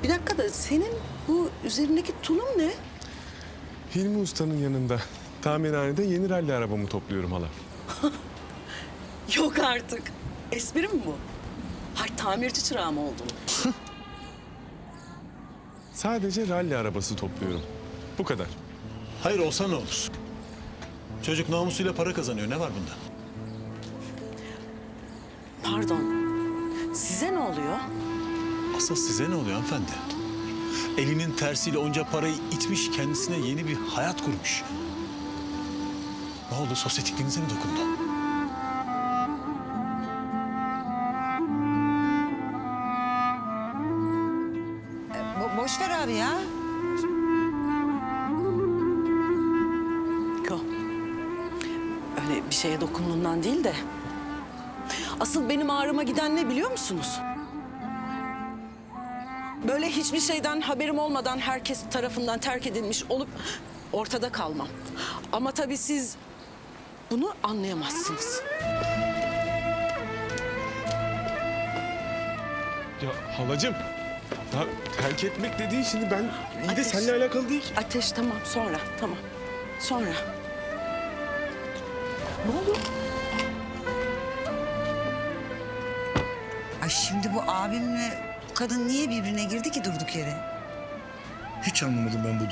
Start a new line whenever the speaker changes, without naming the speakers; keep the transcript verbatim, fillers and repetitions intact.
Bir dakika da senin bu üzerindeki tulum ne?
Hilmi Usta'nın yanında tamirhanede yeni ralli arabamı topluyorum hala.
Yok artık. Espri mi bu? Hay tamirci çırağı mı oldun?
Sadece ralli arabası topluyorum. Bu kadar.
Hayır olsa ne olur? Çocuk namusuyla para kazanıyor. Ne var bunda?
Pardon. Size ne oluyor?
Asıl size ne oluyor hanımefendi? Elinin tersiyle onca parayı itmiş, kendisine yeni bir hayat kurmuş. Ne oldu? Sosyetikliğinize mi dokundu?
Bo boş ver abi ya.
Yok. Öyle bir şeye dokunduğundan değil de... Asıl benim ağrıma giden ne biliyor musunuz? Böyle hiçbir şeyden haberim olmadan herkes tarafından terk edilmiş olup ortada kalmam. Ama tabii siz bunu anlayamazsınız.
Ya halacığım, ya terk etmek dediğin şimdi ben iyi de
Ateş.
seninle alakalı değil ki.
Ateş tamam sonra tamam sonra. Ne oldu?
Ay şimdi bu abimle bu kadın niye birbirine girdi ki durduk yere?
Hiç anlamadım ben bu